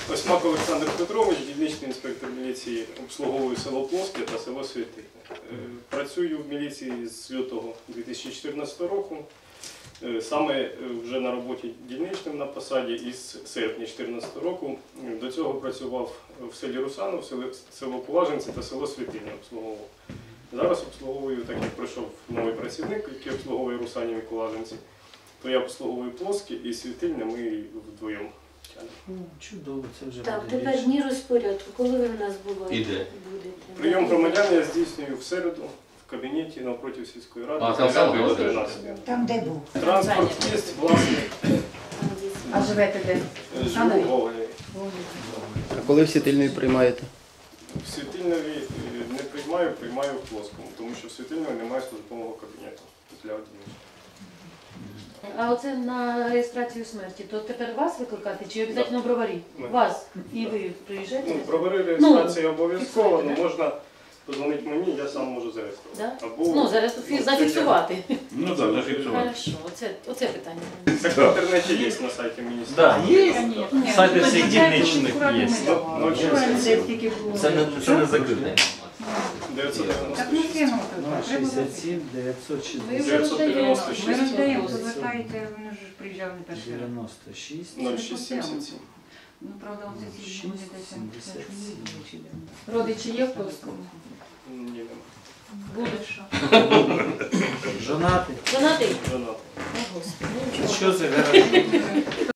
Осьмак Олександр Петрович, дільничний інспектор міліції, обслуговую село Плоске та село Святине. Працюю в міліції з лютого 2014 року. Саме вже на роботі дільничним на посаді із серпня 2014 року. До цього працював в селі Русанов, село Поваженці та село Святине обслуговував. Зараз обслуговую, так як прийшов новий працівник, який обслуговує Русанів і Поваженці, то я обслуговую Плоске і Святине, ми вдвоєм. Чудово, це вже Так, буде тепер більше. дні розпорядку. Коли ви в нас Іде. будете? Прийом громадян я здійснюю в середу в кабінеті навпроти сільської ради. А, там саме до буде? 13. Там де був? Транспорт є, власний, А живете де? живу в Гоголеві. А коли всі тильної приймаєте? В Світильнові не приймаю, приймаю в Плоскому, тому що в Світильнові немає службового кабінету для одиночки. А оце на реєстрацію смерті, то тепер вас викликати чи обов'язково броварі? Ми. Вас. І ви приїжджаєте? Ну, провери реєстрацію обов'язково, але можна подзвонити мені, я сам можу зареєструвати. Да? Або Ну, зараз зафіксувати. Ну так, зафіксувати. Хорошо, оце питання. так в інтернеті є на сайті міністерства. Так, є. Сайти всіх дільничних є. Ну, Це не закрите. 996. 067 960 Ви вже роздаєте. 996. Ми роздаємо, повертаєте, вони ж приїжджали не перший раз. 96 0677. Ну, правда, он це ці буде десь. 77. Родичі є в Плоскому? Ні, нема. Будеш. Жонати. Донатий? Жонатий. О, Господи, ну, нічого. Що це гарантує?